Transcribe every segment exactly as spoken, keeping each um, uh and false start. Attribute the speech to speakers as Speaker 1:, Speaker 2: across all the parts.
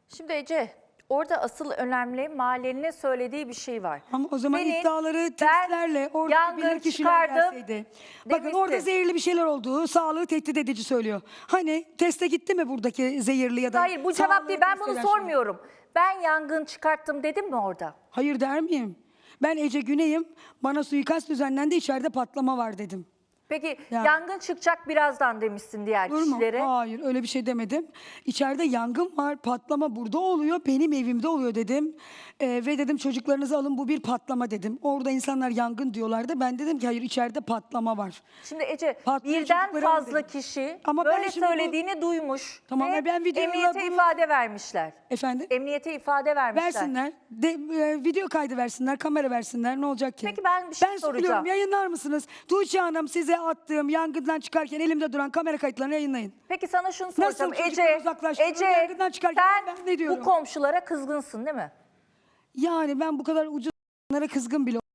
Speaker 1: Şimdi Ece, orada asıl önemli mahallenin söylediği bir şey var.
Speaker 2: Ama o zaman
Speaker 1: Senin,
Speaker 2: iddiaları
Speaker 1: ben
Speaker 2: testlerle orada
Speaker 1: yangın
Speaker 2: bilir kişiler
Speaker 1: çıkardım
Speaker 2: gelseydi. Bakın
Speaker 1: demişsin.
Speaker 2: orada zehirli bir şeyler olduğu sağlığı tehdit edici söylüyor. Hani teste gitti mi buradaki zehirli ya da
Speaker 1: Hayır, bu cevap
Speaker 2: sağlığı
Speaker 1: değil. Ben
Speaker 2: test
Speaker 1: bunu
Speaker 2: eden şey?
Speaker 1: sormuyorum. Ben yangın çıkarttım dedim mi orada?
Speaker 2: Hayır der miyim? Ben Ece Güney'im. Bana suikast düzenlendi, içeride patlama var dedim.
Speaker 1: Peki
Speaker 2: Ya.
Speaker 1: yangın çıkacak birazdan demişsin diğer
Speaker 2: Olur mu?
Speaker 1: kişilere.
Speaker 2: Hayır, öyle bir şey demedim. İçeride yangın var, patlama burada oluyor, benim evimde oluyor dedim. Ee, ve dedim çocuklarınızı alın, bu bir patlama dedim. Orada insanlar yangın diyorlardı. Ben dedim ki hayır, içeride patlama var.
Speaker 1: Şimdi Ece,
Speaker 2: Patlayan
Speaker 1: birden
Speaker 2: çocukları alın
Speaker 1: fazla
Speaker 2: dedim.
Speaker 1: kişi
Speaker 2: Ama ben
Speaker 1: böyle
Speaker 2: şimdi bu-
Speaker 1: söylediğini duymuş
Speaker 2: Tamam,
Speaker 1: ve
Speaker 2: ben videoyla
Speaker 1: emniyete
Speaker 2: bunu-
Speaker 1: ifade vermişler.
Speaker 2: Efendim?
Speaker 1: Emniyete ifade vermişler.
Speaker 2: Versinler. De, e, video kaydı versinler, kamera versinler. Ne olacak ki?
Speaker 1: Peki ben bir şey
Speaker 2: ben
Speaker 1: soracağım.
Speaker 2: söylüyorum, yayınlar mısınız? Tuğçe Hanım, size attığım yangından çıkarken elimde duran kamera kayıtlarını yayınlayın.
Speaker 1: Peki sana şunu
Speaker 2: Nasıl
Speaker 1: soracağım.
Speaker 2: çocukları
Speaker 1: Ece,
Speaker 2: uzaklaştırıyor,
Speaker 1: Ece
Speaker 2: yangından çıkarken
Speaker 1: sen
Speaker 2: ben ne diyorum?
Speaker 1: bu komşulara kızgınsın değil mi?
Speaker 2: Yani ben bu kadar ucuz bunlara kızgın bile.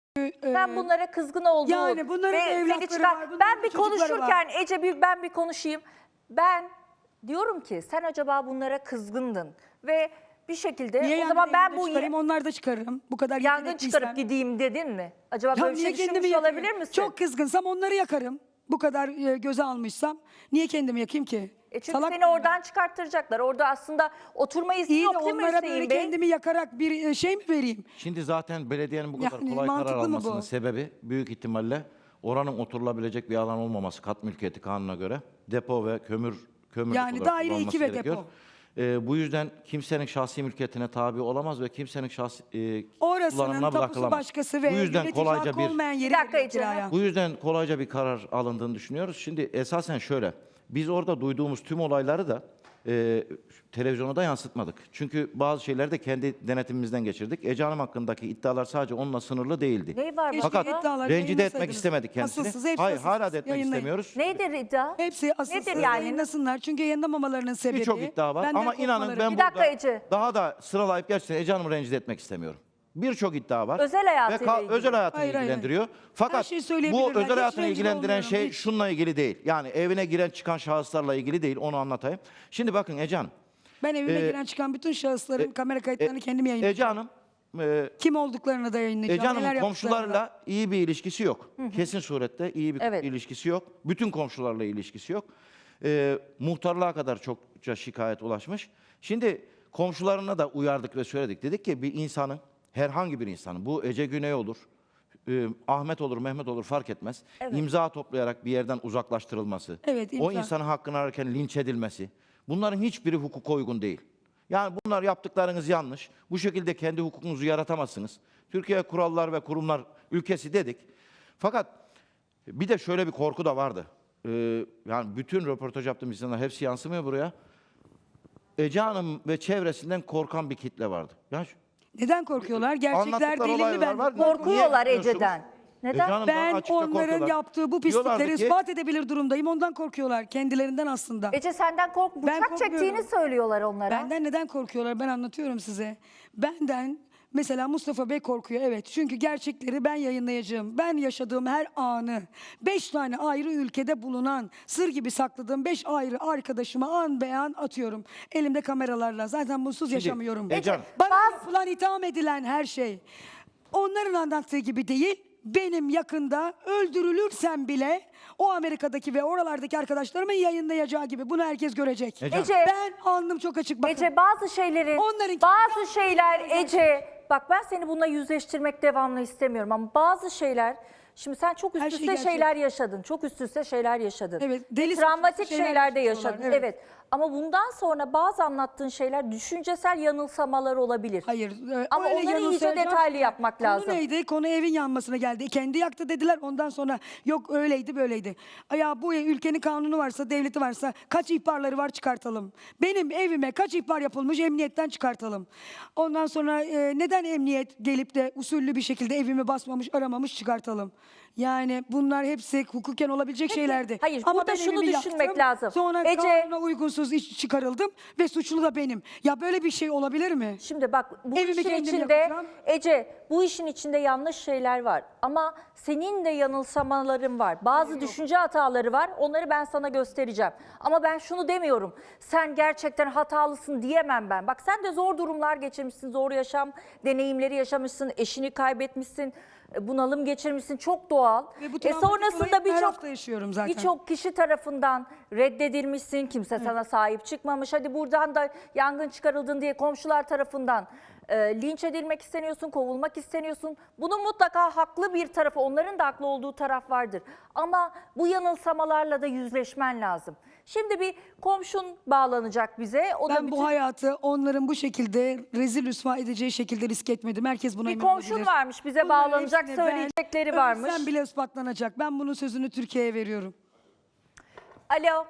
Speaker 1: Ben bunlara kızgın olduğum
Speaker 2: yani bunların da
Speaker 1: ve seni
Speaker 2: evlatları
Speaker 1: çıkar-
Speaker 2: var, bunların
Speaker 1: Ben
Speaker 2: da
Speaker 1: bir
Speaker 2: çocukları
Speaker 1: konuşurken Ece bir ben bir konuşayım. Ben diyorum ki sen acaba bunlara kızgındın ve bir şekilde
Speaker 2: Niye
Speaker 1: o zaman ben
Speaker 2: yangın
Speaker 1: bu
Speaker 2: çıkarayım, onlar da çıkarırım. Bu kadar
Speaker 1: yangın
Speaker 2: yetenekliysem.
Speaker 1: çıkarıp gideyim dedin mi? Acaba
Speaker 2: Ya
Speaker 1: böyle bir
Speaker 2: niye
Speaker 1: şey
Speaker 2: kendimi
Speaker 1: düşünmüş
Speaker 2: yakayım?
Speaker 1: olabilir misin?
Speaker 2: Çok kızgınsam onları yakarım. Bu kadar e, göze almışsam niye kendimi yakayım ki?
Speaker 1: E çünkü
Speaker 2: Salak
Speaker 1: seni
Speaker 2: mıyım ben?
Speaker 1: oradan çıkarttıracaklar. Orada aslında oturma izni
Speaker 2: İyi de
Speaker 1: yok değil mi
Speaker 2: onlara
Speaker 1: Hüseyin
Speaker 2: böyle
Speaker 1: Bey?
Speaker 2: kendimi yakarak bir e, şey mi vereyim?
Speaker 3: Şimdi zaten belediyenin bu kadar
Speaker 2: Yani
Speaker 3: kolay karar
Speaker 2: mantıklı mı bu?
Speaker 3: almasının sebebi büyük ihtimalle oranın oturulabilecek bir alan olmaması kat mülkiyeti kanununa göre depo ve kömür kömür
Speaker 2: Yani
Speaker 3: olarak
Speaker 2: daire
Speaker 3: kullanılması
Speaker 2: iki ve
Speaker 3: gerekiyor.
Speaker 2: depo.
Speaker 3: Ee, bu yüzden kimsenin şahsi mülkiyetine tabi olamaz ve kimsenin şahsi e,
Speaker 2: Orasının
Speaker 3: kullanımına
Speaker 2: tapusu
Speaker 3: bırakılamaz.
Speaker 2: başkası ve
Speaker 3: bu yüzden
Speaker 2: yönetici
Speaker 3: kolayca
Speaker 2: hakkı
Speaker 3: bir
Speaker 2: olmayan yeri
Speaker 1: Bir dakika
Speaker 2: veriyor
Speaker 1: Ece.
Speaker 2: kiraya.
Speaker 3: bu yüzden kolayca bir karar alındığını düşünüyoruz. Şimdi esasen şöyle, biz orada duyduğumuz tüm olayları da e, televizyona da yansıtmadık. Çünkü bazı şeyleri de kendi denetimimizden geçirdik. Ece Hanım hakkındaki iddialar sadece onunla sınırlı değildi.
Speaker 1: Neyi var
Speaker 2: Keşke
Speaker 3: Fakat
Speaker 1: başka?
Speaker 2: iddialar
Speaker 3: rencide etmek
Speaker 2: yayınlasaydınız.
Speaker 3: istemedik kendisini.
Speaker 2: Asılsız, hepsi
Speaker 3: Hayır,
Speaker 2: asılsız.
Speaker 3: hala da etmek
Speaker 2: Yayınlayın.
Speaker 3: istemiyoruz.
Speaker 1: Nedir iddia?
Speaker 2: Hepsi asılsız
Speaker 1: Nedir yani?
Speaker 2: yayınlasınlar. Çünkü yayınlamamalarının sebebi.
Speaker 3: Birçok iddia var
Speaker 2: benden
Speaker 3: ama inanın
Speaker 2: korkmaları.
Speaker 3: ben
Speaker 1: Bir dakika
Speaker 3: burada
Speaker 1: Ece.
Speaker 3: daha da sıralayıp gerçekten Ece Hanım'ı rencide etmek istemiyorum. Birçok iddia var.
Speaker 1: Özel hayatıyla
Speaker 3: Ve ka-
Speaker 1: ilgili.
Speaker 3: özel hayatını
Speaker 2: Hayır, hayır,
Speaker 3: ilgilendiriyor.
Speaker 2: Her
Speaker 3: Fakat
Speaker 2: şeyi
Speaker 3: bu
Speaker 2: söyleyebilirler.
Speaker 3: özel
Speaker 2: Hiç
Speaker 3: hayatını
Speaker 2: rencide
Speaker 3: ilgilendiren
Speaker 2: olmuyorum,
Speaker 3: şey
Speaker 2: hiç.
Speaker 3: şununla ilgili değil. Yani evine giren çıkan şahıslarla ilgili değil. Onu anlatayım. Şimdi bakın Ece Hanım.
Speaker 2: Ben evime
Speaker 3: Ee,
Speaker 2: giren çıkan bütün şahısların
Speaker 3: e-
Speaker 2: kamera kayıtlarını
Speaker 3: E-
Speaker 2: kendim yayınlayacağım.
Speaker 3: Ece Hanım e,
Speaker 2: Kim olduklarını da yayınlayacağım.
Speaker 3: Ece Hanım'ın
Speaker 2: neler yaptıklarını da.
Speaker 3: komşularla iyi bir ilişkisi yok. Kesin surette iyi bir
Speaker 1: Evet.
Speaker 3: ilişkisi yok. Bütün komşularla ilişkisi yok. Ee, muhtarlığa kadar çokça şikayet ulaşmış. Şimdi komşularına da uyardık ve söyledik. Dedik ki bir insanın, herhangi bir insanın, bu Ece Güney olur, e, Ahmet olur, Mehmet olur fark etmez.
Speaker 1: Evet.
Speaker 3: İmza toplayarak bir yerden uzaklaştırılması,
Speaker 2: Evet,
Speaker 3: o
Speaker 2: imza.
Speaker 3: insanın hakkını ararken linç edilmesi, bunların hiçbiri hukuka uygun değil. Yani bunlar yaptıklarınız yanlış. Bu şekilde kendi hukukunuzu yaratamazsınız. Türkiye kurallar ve kurumlar ülkesi dedik. Fakat bir de şöyle bir korku da vardı. Ee, yani bütün röportaj yaptığım insanlar hepsi yansımıyor buraya. Ece Hanım ve çevresinden korkan bir kitle vardı. Yani şu-
Speaker 2: Neden korkuyorlar? Gerçekler
Speaker 3: anlattıkları
Speaker 2: delilli
Speaker 3: olaylar
Speaker 2: ben.
Speaker 3: var.
Speaker 1: Korkuyorlar
Speaker 3: Niye
Speaker 1: Ece'den.
Speaker 3: Ece
Speaker 1: Neden?
Speaker 3: Hanım daha
Speaker 2: Ben
Speaker 3: açıkça
Speaker 2: onların
Speaker 3: korkuyorlar.
Speaker 2: yaptığı bu
Speaker 3: Diyorlardı
Speaker 2: pislikleri
Speaker 3: ki-
Speaker 2: ispat edebilir durumdayım. Ondan korkuyorlar. Kendilerinden aslında.
Speaker 1: Ece senden kork
Speaker 2: Ben
Speaker 1: bıçak
Speaker 2: korkmuyorum.
Speaker 1: çektiğini söylüyorlar onlara.
Speaker 2: Benden neden korkuyorlar? Ben anlatıyorum size. Benden mesela Mustafa Bey korkuyor. Evet. Çünkü gerçekleri ben yayınlayacağım. Ben yaşadığım her anı, beş tane ayrı ülkede bulunan, sır gibi sakladığım beş ayrı arkadaşıma an beyan atıyorum. Elimde kameralarla. Zaten bunsuz yaşamıyorum.
Speaker 3: Ece Hanım.
Speaker 2: Bana
Speaker 1: Bazı-
Speaker 2: yapılan, itham edilen her şey onların anlattığı gibi değil. Benim yakında öldürülürsem bile o Amerika'daki ve oralardaki arkadaşlarımın yayınlayacağı gibi bunu herkes görecek.
Speaker 3: Ece-
Speaker 1: Ece,
Speaker 2: Ben alnım çok açık bakın.
Speaker 1: Ece bazı şeylerin,
Speaker 2: Onların-
Speaker 1: bazı şeyler Ece, bak ben seni bununla yüzleştirmek devamlı istemiyorum ama bazı şeyler, şimdi sen çok üst
Speaker 2: Her şey
Speaker 1: üste
Speaker 2: gerçek.
Speaker 1: şeyler yaşadın, çok üst üste şeyler yaşadın.
Speaker 2: Evet,
Speaker 1: Ve
Speaker 2: deli
Speaker 1: travmatik
Speaker 2: saçma şeyler
Speaker 1: şeyler de
Speaker 2: yaşıyorlar,
Speaker 1: yaşadın, evet.
Speaker 2: evet.
Speaker 1: Ama bundan sonra bazı anlattığın şeyler düşüncesel yanılsamalar olabilir.
Speaker 2: Hayır. e,
Speaker 1: Ama
Speaker 2: öyle
Speaker 1: onları iyice
Speaker 2: yanılsayacağım.
Speaker 1: detaylı yapmak
Speaker 2: Konu
Speaker 1: lazım.
Speaker 2: neydi? Konu evin yanmasına geldi. Kendi yaktı dediler. Ondan sonra yok öyleydi böyleydi. Ya bu ülkenin kanunu varsa, devleti varsa kaç ihbarları var çıkartalım. Benim evime kaç ihbar yapılmış emniyetten çıkartalım. Ondan sonra e, neden emniyet gelip de usullü bir şekilde evimi basmamış, aramamış çıkartalım. Yani bunlar hepsi hukuken olabilecek
Speaker 1: Peki,
Speaker 2: şeylerdi.
Speaker 1: hayır,
Speaker 2: Ama
Speaker 1: burada
Speaker 2: ben
Speaker 1: şunu
Speaker 2: evimi
Speaker 1: düşünmek
Speaker 2: yaktım,
Speaker 1: lazım.
Speaker 2: Sonra
Speaker 1: Ece-
Speaker 2: kanuna uygunsuz suçsuz iş çıkarıldım ve suçlu da benim. Ya böyle bir şey olabilir mi?
Speaker 1: Şimdi bak bu
Speaker 2: Evimi
Speaker 1: işin
Speaker 2: kendim
Speaker 1: içinde
Speaker 2: yapacağım.
Speaker 1: Ece bu işin içinde yanlış şeyler var ama senin de yanılsamaların var. Bazı düşünce hataları var. Onları ben sana göstereceğim. Ama ben şunu demiyorum. Sen gerçekten hatalısın diyemem ben. Bak sen de zor durumlar geçirmişsin. Zor yaşam deneyimleri yaşamışsın. Eşini kaybetmişsin. Bunalım geçirmişsin. Çok doğal.
Speaker 2: Ve bu
Speaker 1: E
Speaker 2: travmatik
Speaker 1: sonrasında
Speaker 2: olayı her
Speaker 1: birçok
Speaker 2: hafta yaşıyorum zaten.
Speaker 1: Birçok kişi tarafından reddedilmişsin. Kimse sana sahip çıkmamış. Hadi buradan da yangın çıkarıldın diye komşular tarafından e, linç edilmek isteniyorsun, kovulmak isteniyorsun. Bunun mutlaka haklı bir tarafı, onların da haklı olduğu taraf vardır. Ama bu yanılsamalarla da yüzleşmen lazım. Şimdi bir komşun bağlanacak bize. O da
Speaker 2: Ben
Speaker 1: bütün...
Speaker 2: bu hayatı onların bu şekilde rezil rüsva edeceği şekilde risk etmedim. Herkes buna
Speaker 1: Bir
Speaker 2: emin
Speaker 1: komşun
Speaker 2: olabilir.
Speaker 1: varmış, bize
Speaker 2: Bunların
Speaker 1: bağlanacak,
Speaker 2: hepsini
Speaker 1: söyleyecekleri
Speaker 2: ben,
Speaker 1: varmış.
Speaker 2: Sen bile ispatlanacak. Ben bunun sözünü Türkiye'ye veriyorum.
Speaker 1: Alo,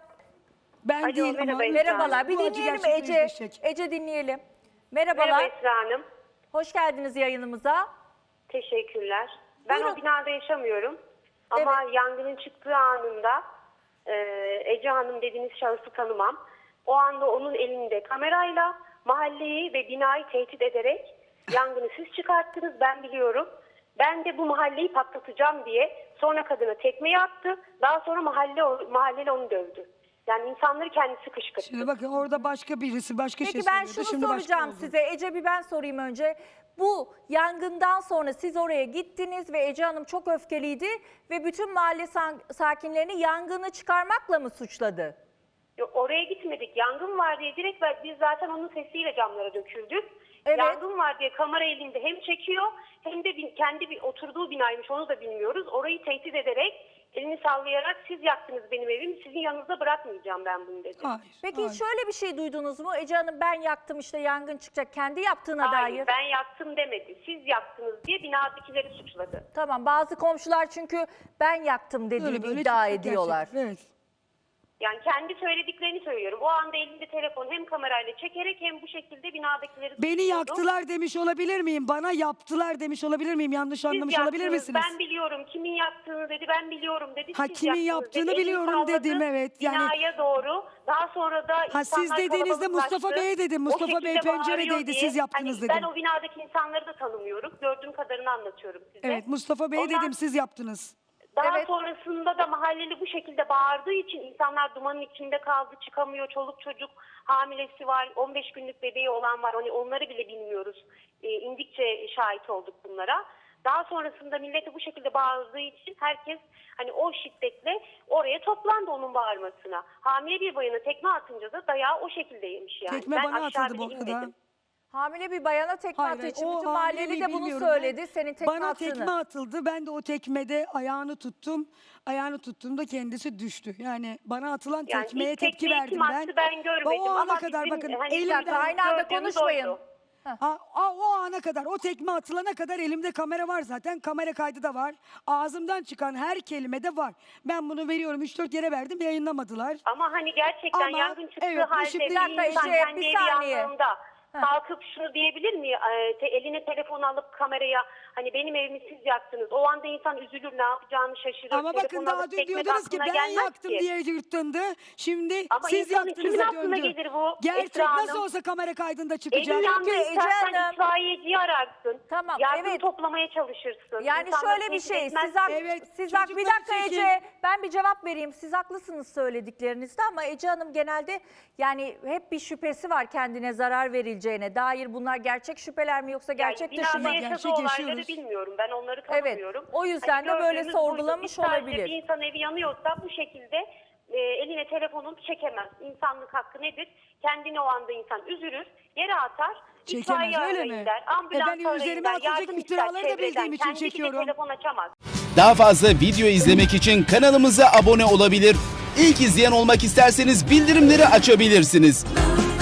Speaker 2: Ben
Speaker 4: Alo,
Speaker 2: değil ama
Speaker 4: merhaba,
Speaker 1: merhabalar. Bir
Speaker 2: bu acı
Speaker 1: dinleyelim
Speaker 2: gerçekle
Speaker 1: Ece.
Speaker 2: yüzleşecek.
Speaker 1: Ece dinleyelim. Merhabalar.
Speaker 4: Merhaba Esra Hanım.
Speaker 1: Hoş geldiniz yayınımıza.
Speaker 4: Teşekkürler. Ben
Speaker 1: Buyurun.
Speaker 4: o binada yaşamıyorum. Ama yangının çıktığı anında e, Ece Hanım dediğiniz şahısı tanımam. O anda onun elinde kamerayla mahalleyi ve binayı tehdit ederek yangını siz çıkarttınız, ben biliyorum. Ben de bu mahalleyi patlatacağım diye sonra kadına tekmeyi attı. Daha sonra mahalle mahalleli onu dövdü. Yani insanları kendisi kışkırttı.
Speaker 2: Şimdi bakın orada başka birisi başka
Speaker 1: Peki
Speaker 2: şey
Speaker 1: ben
Speaker 2: söylüyordu.
Speaker 1: şunu
Speaker 2: Şimdi başka
Speaker 1: soracağım
Speaker 2: oldu.
Speaker 1: size. Ece bir ben sorayım önce. Bu yangından sonra siz oraya gittiniz ve Ece Hanım çok öfkeliydi ve bütün mahalle san- sakinlerini yangını çıkarmakla mı suçladı?
Speaker 4: Yok, oraya gitmedik. Yangın var diye direkt biz zaten onun sesiyle camlara döküldük.
Speaker 1: Evet.
Speaker 4: Yangın var diye kamera elinde hem çekiyor hem de bin- kendi bir oturduğu binaymış, onu da bilmiyoruz. Orayı tehdit ederek elini sallayarak siz yaktınız benim evimi, sizin yanınızda bırakmayacağım ben bunu dedi.
Speaker 2: Hayır,
Speaker 1: Peki
Speaker 2: hayır.
Speaker 1: şöyle bir şey duydunuz mu? Ece Hanım ben yaktım işte yangın çıkacak kendi yaptığına
Speaker 4: Hayır,
Speaker 1: dair.
Speaker 4: ben yaktım demedi. Siz yaktınız diye binadakileri suçladı.
Speaker 1: Tamam bazı komşular çünkü ben yaktım
Speaker 2: Böyle
Speaker 1: dediğini
Speaker 2: böyle
Speaker 1: iddia
Speaker 2: çıkacak
Speaker 1: ediyorlar.
Speaker 2: gerçekten, Evet.
Speaker 4: Yani kendi söylediklerini söylüyorum. O anda elinde telefon hem kamerayla çekerek hem bu şekilde binadakileri
Speaker 2: Beni
Speaker 4: suçluyordu.
Speaker 2: yaktılar demiş olabilir miyim? Bana yaptılar demiş olabilir miyim? Yanlış
Speaker 4: Siz
Speaker 2: anlamış olabilir
Speaker 4: yaptınız,
Speaker 2: misiniz?
Speaker 4: Ben biliyorum kimin yaptığını dedi, ben biliyorum dedi.
Speaker 2: Ha,
Speaker 4: siz
Speaker 2: kimin
Speaker 4: yaptınız
Speaker 2: yaptığını
Speaker 4: dedi. Elini
Speaker 2: biliyorum
Speaker 4: salladı
Speaker 2: dedim, evet. Yani-
Speaker 4: Binaya doğru. Daha sonra da
Speaker 2: Ha, siz
Speaker 4: insanlar
Speaker 2: dediğinizde
Speaker 4: kalabalıklaştı.
Speaker 2: Mustafa Bey dedim.
Speaker 4: O
Speaker 2: Mustafa
Speaker 4: şekilde
Speaker 2: Bey penceredeydi,
Speaker 4: bağırıyor diye.
Speaker 2: siz yaptınız
Speaker 4: hani
Speaker 2: dedim.
Speaker 4: Ben o binadaki insanları da tanımıyorum. Gördüğüm kadarını anlatıyorum size.
Speaker 2: Evet, Mustafa Bey
Speaker 4: Ondan-
Speaker 2: dedim, siz yaptınız.
Speaker 4: Daha
Speaker 1: Evet.
Speaker 4: sonrasında da mahalleli bu şekilde bağırdığı için insanlar dumanın içinde kaldı, çıkamıyor. Çoluk çocuk hamilesi var, on beş günlük bebeği olan var. Hani onları bile bilmiyoruz. E, indikçe şahit olduk bunlara. Daha sonrasında millete bu şekilde bağırdığı için herkes hani o şiddetle oraya toplandı onun bağırmasına. Hamile bir bayana tekme atınca da dayağı o şekilde yemiş yani.
Speaker 2: Tekme
Speaker 4: Ben
Speaker 2: bana
Speaker 4: aşağı
Speaker 2: atıldı bu
Speaker 4: bile
Speaker 2: arada.
Speaker 4: inmedim.
Speaker 1: Hamile bir bayana tekme
Speaker 2: Hayır,
Speaker 1: attığı için
Speaker 2: o
Speaker 1: bütün mahalleli
Speaker 2: hamileliği
Speaker 1: de bunu
Speaker 2: bilmiyorum.
Speaker 1: söyledi.
Speaker 2: Ben-
Speaker 1: Senin tekme
Speaker 2: Bana
Speaker 1: attığını.
Speaker 2: tekme atıldı. Ben de o tekmede ayağını tuttum. Ayağını tuttuğumda kendisi düştü. Yani bana atılan
Speaker 4: Yani
Speaker 2: tekmeye
Speaker 4: ilk
Speaker 2: tepki
Speaker 4: tekmeyi
Speaker 2: verdim
Speaker 4: kim
Speaker 2: ben.
Speaker 4: attı ben görmedim
Speaker 2: O ana
Speaker 4: ama
Speaker 2: kadar
Speaker 4: bizim,
Speaker 2: bakın
Speaker 4: hani,
Speaker 2: elimden...
Speaker 1: dakika, aynı anda
Speaker 4: gördüğümüz
Speaker 1: konuşmayın.
Speaker 4: oydu.
Speaker 2: Ha, a- o ana kadar, o tekme atılana kadar elimde kamera var zaten. Kamera kaydı da var. Ağzımdan çıkan her kelime de var. Ben bunu veriyorum. üç dört yere verdim, yayınlamadılar.
Speaker 4: Ama hani gerçekten
Speaker 2: Ama,
Speaker 4: yangın çıktığı
Speaker 2: evet, bu
Speaker 4: halde
Speaker 2: şimdi-
Speaker 4: bir
Speaker 1: Bir dakika
Speaker 4: insan
Speaker 1: Ece,
Speaker 4: kendi
Speaker 1: bir
Speaker 4: evi
Speaker 1: saniye.
Speaker 4: yandığında kalkıp şunu diyebilir mi? Ee, te- eline telefon alıp kameraya hani benim evimi siz yaktınız. O anda insan üzülür, ne yapacağını şaşırır.
Speaker 2: Ama bakın
Speaker 4: Telefonu
Speaker 2: daha
Speaker 4: alıp
Speaker 2: dün
Speaker 4: tekmek
Speaker 2: diyordunuz ki
Speaker 4: aklına
Speaker 2: ben
Speaker 4: gelmez
Speaker 2: yaktım
Speaker 4: ki.
Speaker 2: diye yırtındı. Şimdi
Speaker 4: Ama
Speaker 2: siz
Speaker 4: insanın
Speaker 2: yaktınıza
Speaker 4: kimin aklına
Speaker 2: döndü.
Speaker 4: gelir bu,
Speaker 2: Gerçek
Speaker 4: Esra
Speaker 2: nasıl
Speaker 4: Hanım?
Speaker 2: olsa kamera kaydında
Speaker 4: Evin
Speaker 2: çıkacak.
Speaker 4: yandı,
Speaker 1: Ece
Speaker 4: istersen
Speaker 1: Hanım-
Speaker 4: itfaiyeciyi ararsın.
Speaker 1: Tamam,
Speaker 4: Yardım
Speaker 1: evet.
Speaker 4: toplamaya çalışırsın.
Speaker 1: Yani
Speaker 4: İnsanları
Speaker 1: şöyle bir
Speaker 4: tehdit
Speaker 1: şey,
Speaker 4: etmezsin.
Speaker 1: siz, hak,
Speaker 2: Evet,
Speaker 1: siz hak, bir
Speaker 2: çocukları
Speaker 1: dakika
Speaker 2: çekin.
Speaker 1: Ece, ben bir cevap vereyim. Siz haklısınız söylediklerinizde ama Ece Hanım genelde yani hep bir şüphesi var kendine zarar verileceğine dair. Bunlar gerçek şüpheler mi yoksa gerçek
Speaker 4: yani
Speaker 1: dışı mı?
Speaker 4: binada yaşadığı
Speaker 2: Gerçek
Speaker 4: olayları
Speaker 2: yaşıyoruz.
Speaker 4: bilmiyorum. Ben onları
Speaker 1: Evet,
Speaker 4: tanımıyorum.
Speaker 1: o yüzden de böyle
Speaker 4: gördüğümüz
Speaker 1: sorgulamış
Speaker 4: buydu. Biz sadece
Speaker 1: olabilir.
Speaker 4: Bir insan evi yanıyorsa bu şekilde e, eline telefonunu çekemez. İnsanlık hakkı nedir? Kendini o anda insan üzülür, yere atar.
Speaker 2: Çekemez,
Speaker 4: itfaiye
Speaker 2: öyle
Speaker 4: arayın
Speaker 2: mi?
Speaker 4: der, ambulans
Speaker 2: E ben
Speaker 4: arayın
Speaker 2: üzerime
Speaker 4: der,
Speaker 2: atılacak
Speaker 4: yardım
Speaker 2: iftiraları
Speaker 4: ister
Speaker 2: da bildiğim
Speaker 4: çevreden.
Speaker 2: için
Speaker 4: Kendi bile
Speaker 2: çekiyorum.
Speaker 4: telefon açamaz.
Speaker 5: Daha fazla video izlemek için kanalımıza abone olabilir. İlk izleyen olmak isterseniz bildirimleri açabilirsiniz.